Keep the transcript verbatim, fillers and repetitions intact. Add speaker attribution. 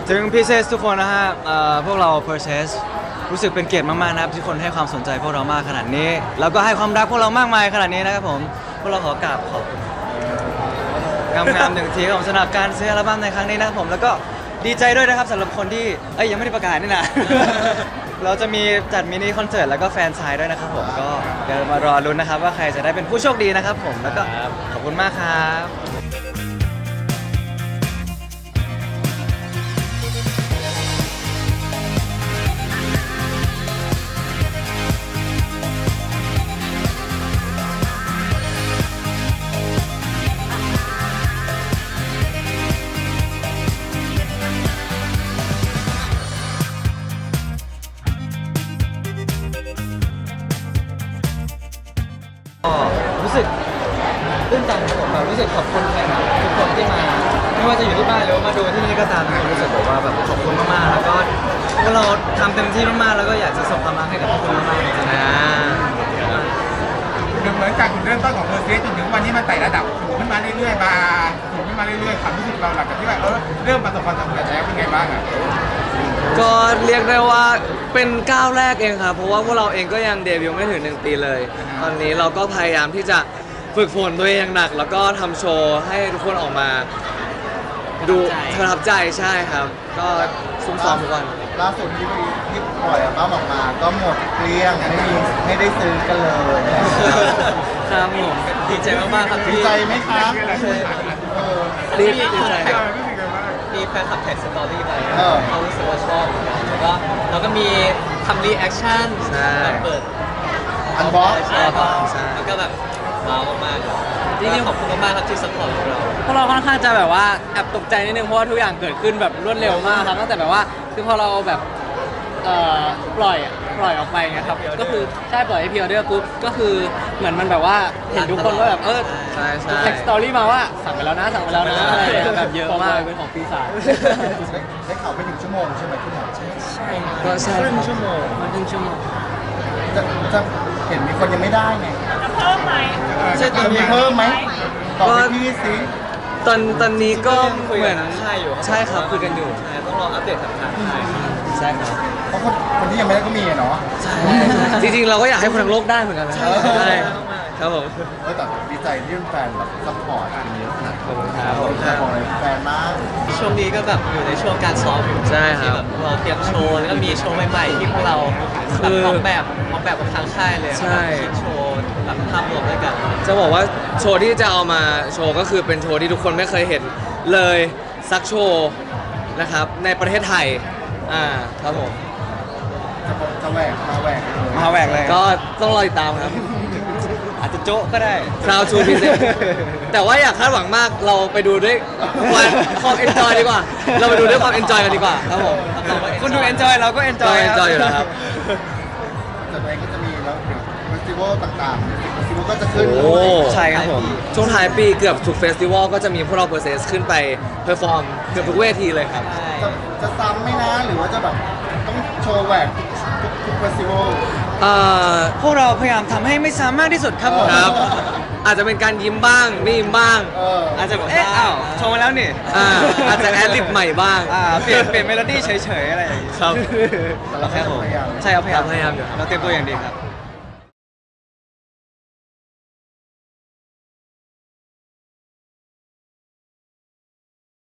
Speaker 1: ถึงพีเซสทุกคนนะฮะเอ่อพวกเรา Process รู้สึกเป็นเกียรติมากๆนะครับที่คนให้ความสนใจพวกเรามากขนาดนี้แล้วก็ให้ความรักพวกเรามากมายขนาดนี้นะครับผมพวกเราขอกราบขอบคุณงามๆหนึ่งทีครับผมสำหรับการซื้ออัลบั้มในครั้งนี้นะครับผมแล้วก็ดีใจด้วยนะครับสำหรับคนที่เอ้ยยังไม่ได้ประกาศนี่นะ เราจะมีจัดมินิคอนเสิร์ตแล้วก็แฟนไซน์ด้วยนะครับผมก็เดี๋ยวมารอลุ้นนะครับว่าใครจะได้เป็นผู้โชคดีนะครับผมแล้วก็ขอบคุณมากครับก็รู้สึกตื้นตันครับผมแบบรู้สึกขอบคุณแฟนคลับทุกคนที่มาไม่ว่าจะอยู่ที่บ้านหรือว่ามาดูที่นี่ก็ตามรู้สึกแบบว่าแบบขอบคุณมากๆแล้วก็พวกเราทำเต็มที่มากๆแล้วก็อยากจะส่งความรักให้กับทุกคนมากๆจริงๆนะ
Speaker 2: เหมือนจากจุดเริ่มต้นของเพอร์เซสจนถึงวันนี้มันไต่ระดับสูงขึ้นมาเรื่อยๆมาสูงขึ้นมาเรื่อยๆความรู้สึกเราหลังจากที่ว่าเออเริ่มประสบความสำเร็จแล้วเป็นไงบ้างอ่ะ
Speaker 3: ก็เรียกได้ว่าเป็นก้าวแรกเองครับเพราะว่าพวกเราเองก็ยังเดบิวต์ไม่ถึงหนึ่งปีเลย ตอนนี้เราก็พยายามที่จะฝึกฝนตัวเองอย่างหนัก แล้วก็ทำโชว์ให้ทุกคนออกมาดูประทับใจใช่ครับ ก็ซุ้มซ้อมทุกวัน
Speaker 4: ล่าสุดที่ที่ปล่อยอัลบั้มออกมาก็หมดเกลี้ยงไม่มีไม่ได้ซื้อกันเลย
Speaker 1: ครับผมดีใจมากๆครับ
Speaker 4: ดี
Speaker 1: ที่
Speaker 4: ใจไหมครับเออ
Speaker 3: รีบดีใจ
Speaker 2: เออรู้สึกไงบ้าง
Speaker 5: มีแฟนคลับแท็กสตอรี่ไป
Speaker 4: เออ
Speaker 5: เขารู้สึกว่าชอบเหมือนกันแล้วก็เราก็มีทำรีแอคชั่น
Speaker 3: ใช่
Speaker 5: แบบเปิด
Speaker 4: อันบ็อก
Speaker 5: ใช่ครับ
Speaker 3: ใช่
Speaker 5: แล้วก็แบบว้าวมากๆจริงๆขอบคุณมากๆครับที่สปอร์ตพวกเรา
Speaker 6: พวกเราค่อนข้างจะแบบว่าแอบตกใจนิดนึงเพราะว่าทุกอย่างเกิดขึ้นแบบรวดเร็วมากครับตั้งแต่แบบว่าคือพอเราแบบเอ่อปล่อยอะปล่อยออกไปไงครับก็คือใช่ปล่อยให้พีออเดอร์ปุ๊บก็คือเหมือนมันแบบว่าเห็นทุกคนว่าแบบเออ
Speaker 3: ใช่ใช่
Speaker 6: แท็กสตอรี่มาว่าสั่งไปแล้วนะสั่งไปแล้วนะอะไรอย่างเงี้ยแบบเยอะมากเป็นของปีศาจ
Speaker 4: ได้ได้ข่าวไปถึงชั่วโมงใช่ไหมคุณหมอ
Speaker 3: ก็ใช่
Speaker 4: ครึ่งชั่วโมง
Speaker 6: มันครึ่งชั่วโมง
Speaker 4: จะจะเห็นมีคนยังไม่ได้ไง
Speaker 1: ใช่ตอน
Speaker 4: จะมี
Speaker 1: นี้
Speaker 4: เพิ่มไหมบอกให้พี่สิ
Speaker 3: ตอนตอนนี้ก็
Speaker 1: คุย
Speaker 3: เหมื
Speaker 1: กั
Speaker 3: อน น
Speaker 1: ค่ายอยู่
Speaker 3: ใช่ครับคุยกันอยู่
Speaker 1: ใช่ต้องรออัปเดตทางทางค่ายใช่ครับ
Speaker 4: เพราะคนคนที่ยังไม่ได้ก็มีอะเนาะ
Speaker 3: จริงๆเราก็อยากให้คนทั้งโลกได้เหมือนกันนะ
Speaker 4: ใช่
Speaker 3: ใช่ครับผม
Speaker 4: เออแต่ดีใจที่แฟนแบบซัพพอร์ตกันเยอะขนาด
Speaker 3: ขอบคุณครับ
Speaker 4: นี้ของอะไรแฟนมาก
Speaker 5: ช่วงนี้ก็แบบอยู่ในช่วงการซ้อมอยู่
Speaker 3: ใช่ครับ
Speaker 5: ที่แบบเราเตรียมโชว์แล้วก็มีโชว์ใหม่ๆที่พวกเราแบบออกแบบออกแบบกับทางค่ายเลย
Speaker 3: ใช่
Speaker 5: แบบคิดโชว์แบบภาพรวมด้วยกัน
Speaker 3: จะบอกว่าโชว์ที่จะเอามาโชว์ก็คือเป็นโชว์ที่ทุกคนไม่เคยเห็นเลยสักโชว์นะครับในประเทศไทยอ่าครับผม
Speaker 4: จะจะแหวกมาแหวกเลย
Speaker 1: มาแหวกเลย
Speaker 3: ก็ต้องรอติดตามครับ
Speaker 1: อาจจะโจ๊ะก็ได้
Speaker 3: Proud to present แต่ว่าอยากคาดหวังมากเราไปดูด้วยความความ enjoy ดีกว่า เราไปดูด้วยความ enjoy กันดีกว่าครับผม
Speaker 1: คุณดู enjoy เราก็
Speaker 3: ก็
Speaker 1: enjoy ครับ
Speaker 3: enjoy อยู่แล้วครับ
Speaker 4: แต่ตัวเองก็จะมีแล้วเดี๋ยวเฟสติวัลต่างๆเฟสติวัลก็จะขึ้น
Speaker 3: โอ้
Speaker 1: ใช่ครับผม
Speaker 3: ช่วงท้ายปีเกือบทุกเฟสติวัลก็จะมีพวกเราเปอร์เซสขึ้นไปเพอร์ฟอร์มเกือบทุกเวทีเลยครับ
Speaker 4: จะจะซ้ำไหมนะหรือว่าจะแบบต้องโชว์แหวกทุกทุกเฟสติวัล
Speaker 3: เอ่อ
Speaker 1: พวกเราพยายามทำให้ไม่ซ้ำมากที่สุดครับผม
Speaker 3: ครับ อาจจะเป็นการยิ้มบ้างไม่ยิ้มบ้าง
Speaker 4: เออ
Speaker 1: อาจจะเอ๊ะอ้าวโชว์มาแล้วนี่
Speaker 3: อ่าอาจจะแอดลิปใหม่บ้าง
Speaker 1: อ่าเปลี่ยนเปลี่ยนเมโลดี้เฉยๆอะไรอย่างงี้
Speaker 3: ครับ
Speaker 4: แต่เราแค่พยายาม
Speaker 1: ใช่ครับพยายาม
Speaker 3: พยายามอยู่
Speaker 1: เราเตรียมตัวอย่างดีครับ